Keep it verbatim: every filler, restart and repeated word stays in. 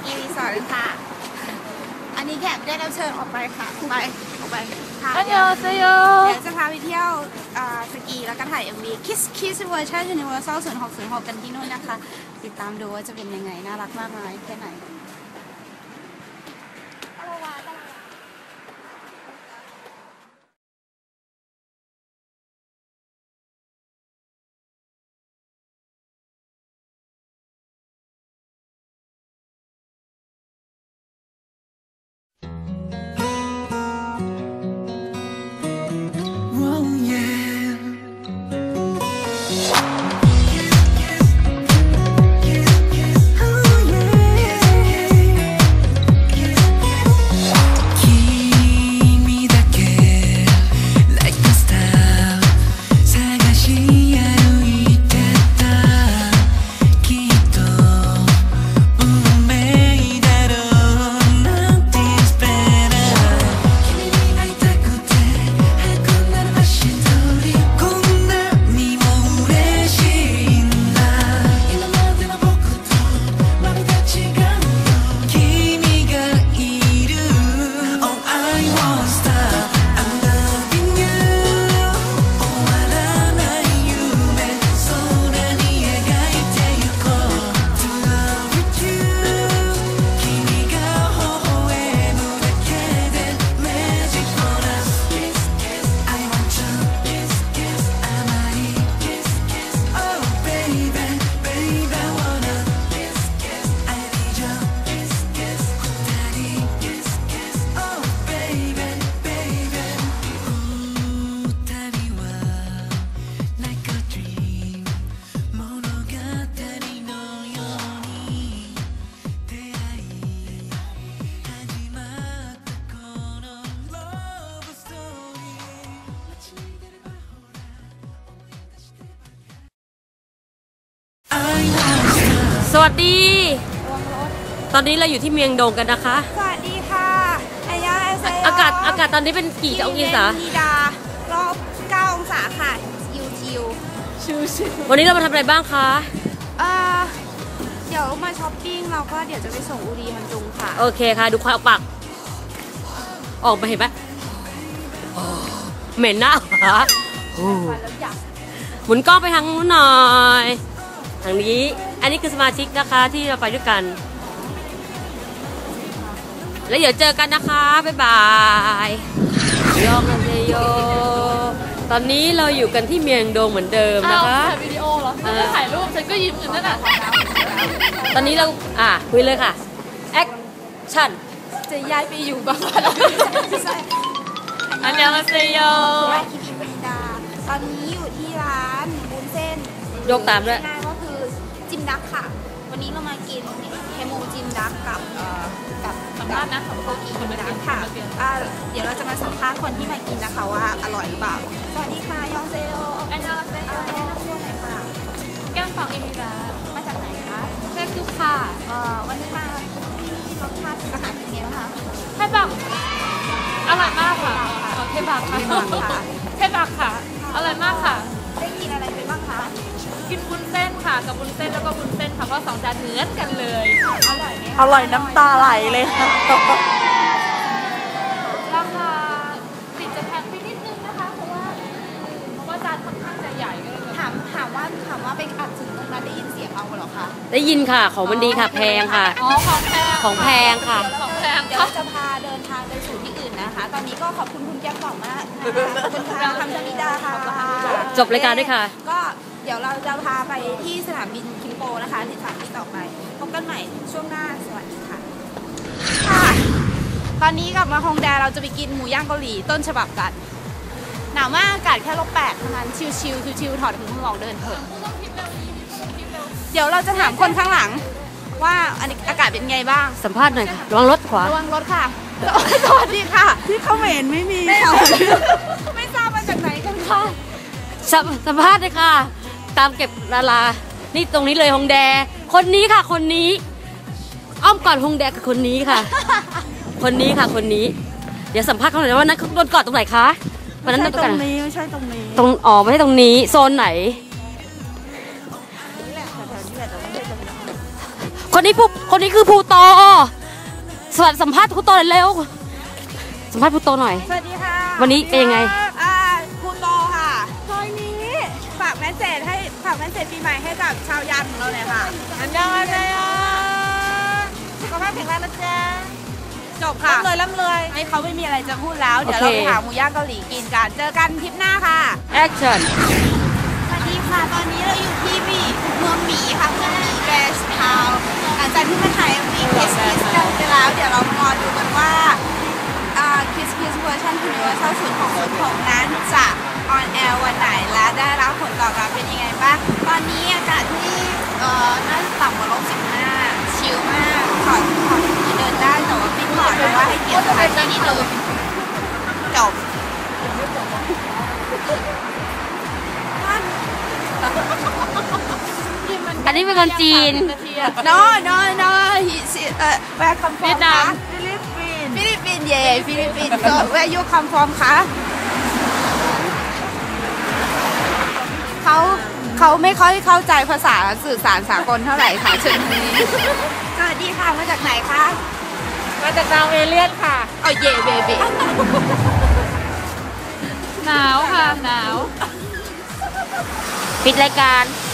กีรีสอร์ทค่ะอันนี้แขกได้รับเชิญออกไปค่ะไปออกไปค่ะเดี๋ยวเดี๋ยวจะพาไปเที่ยวสกีแล้วก็ถ่าย เอ็ม วี Kiss Kiss Version Universal ศูนย์หกศูนย์หกกันที่นู่นนะคะติดตามดูว่าจะเป็นยังไงน่ารักมากน้อยแค่ไหนสวัสดีตอนนี้เราอยู่ที่เมียงดงกันนะคะสวัสดีค่ะอายาเซโยอากาศอากาศตอนนี้เป็นกี่องศาดีดารอบเก้าองศาค่ะชิวชิวชิวชิววันนี้เรามาทำอะไรบ้างคะเอ่อเดี๋ยวมาช้อปปิ้งเราก็เดี๋ยวจะไปส่งอุรีฮันจุงค่ะโอเคค่ะดูควายเอาปากออกมาเห็นไหมเหม็นหน้าเหรอหมุนกล้องไปทางนู้นหน่อยทางนี้อันนี้คือสมาชิกนะคะที่เราไปด้วยกันแล้วเดี๋ยวเจอกันนะคะบ๊ายบายยองกันเซโยตอนนี้เราอยู่กันที่เมียงดงเหมือนเดิมนะคะถ่ายวิดีโอเหรอไม่ถ่ายรูปฉันก็ยิ้มอยู่นั่นแหละตอนนี้เราอ่ะคุยเลยค่ะแอคชั่นจะย้ายไปอยู่บ้างอันยองกันเซโยคิมิปริดาตอนนี้อยู่ที่ร้านบุญเส้นยกตามด้วยก็คือจิมดักค่ะวันนี้เรามากินเฮมูจิมดักกับกับสัมภาษณ์นะของโคกิจิมดักค่ะเดี๋ยวเราจะมาสัมภาษณ์คนที่มากินนะคะว่าอร่อยหรือเปล่าสวัสดีค่ะยองเซโยอันยองเซโยแนะนำตัวหน่อยค่ะแก้มฝั่งเอมิรามาจากไหนคะเซซุค่ะวันนี้มาที่รสชาติอาหารเป็นไงบ้างคะเทบักอร่อยมากค่ะเทบักค่ะเทบักค่ะอร่อยมากค่ะได้กินอะไรไปบ้างคะกินบุญเส้นค่ะกับบุญเส้นแล้วก็บุญเส้นค่ะเพราะสองจานเหมือนกันเลยอร่อยไหมอร่อยน้ำตาไหลเลยค่ะราคาติดจะแพงไปนิดนึงนะคะเพราะว่าเพราะว่าจานค่อนข้างจะใหญ่ก็เลยถามถามว่าถามว่าไปอัดถึงตรงนั้นได้ยินเสียงเอาเหรอคะได้ยินค่ะของมันดีค่ะแพงค่ะอ๋อของแพงของแพงค่ะของแพงเดี๋ยวจะพาเดินทางไปสู่ที่อื่นนะคะตอนนี้ก็ขอบคุณคุณแก้มก่อนมากขอบคุณค่ะคำสมิดาค่ะจบรายการด้วยค่ะก็เดี๋ยวเราจะพาไปที่สนามบินคิมโปนะคะที่สถานที่ต่อไปพบกันใหม่ช่วงหน้าสวัสดีค่ะค่ะตอนนี้กลับมาฮงแดเราจะไปกินหมูย่างเกาหลีต้นฉบับกันหนาวมากอากาศแค่ลบแปดเท่านั้นชิวชิวชิวถอดถุงมือออกเดินเถอะเดี๋ยวเราจะถามคนข้างหลังว่าอันนี้อากาศเป็นไงบ้างสัมภาษณ์หน่อยค่ะระวังรถขวาระวังรถค่ะสวัสดีค่ะที่เขาเห็นไม่มีไม่ทราบมาจากไหนกันค่ะสัมภาษณ์เลยค่ะตามเก็บดารานี่ตรงนี้เลยฮงแดคนนี้ค่ะคนนี้อ้อมก่อนฮงแดกับคนนี้ค่ะคนนี้ค่ะคนนี้เดี๋ยวสัมภาษณ์เขาหน่อยว่านั้นเขาโดนกอดตรงไหนคะวันนั้นตรงนี้ไม่ใช่ตรงนี้ตรงอ๋อไม่ใช่ตรงนี้โซนไหนคนนี้ผู้คนนี้คือภูโตสวัสดีสัมภาษณ์ภูโตหน่อยเร็วสัมภาษณ์ภูโตหน่อยสวัสดีค่ะวันนี้เป็นยังไงอ่าภูโตค่ะซอยนี้ฝากแมสเซจให้ฝากแมสเซจปีใหม่ให้กับชาวยันของเราเลยค่ะอันยองอันยองสุขภาพแข็งแรงนะจ๊ะจบค่ะร่ำเลยร่ำเลยให้เขาไม่มีอะไรจะพูดแล้ว เดี๋ยวเราไปหาหมูย่างเกาหลีกินกัน เจอกันทริปหน้าค่ะ action สวัสดีค่ะ ตอนนี้เราอยู่ที่หมีเมืองหมีค่ะเมืองหมีแกสทาวน์หลังจากที่มาถ่ายวีคิสคิสกันไปแล้ว เดี๋ยวเรามารอดูกันว่าคิสคิสเวอร์ชันยูนิเวอร์แซลสุดของคนผมนั้นจะออนแอร์วันไหนและได้รับผลตอบรับเป็นยังไงบ้าง ตอนนี้อากาศที่เอ่อน่าจะต่ำกว่าลบสิบห้าชิลมากถอดถอดที่เดินได้แต่ว่าไม่ถอดเพราะว่าให้เกียรติสถานที่นิดนึงจบอันนี้เป็นคนจีน no no no he's uh where come from เวียดนามคะฟิลิปปินส์เย่ฟิลิปปินส์ so where you come from คะเขาเขาไม่ค่อยเข้าใจภาษาสื่อสารสากลเท่าไหร่ค่ะเชิญนี้สวัสดีค่ะมาจากไหนคะมาจากดาวเอเลียนค่ะเอาเย่เบบีหนาวค่ะ หนาวปิดรายการส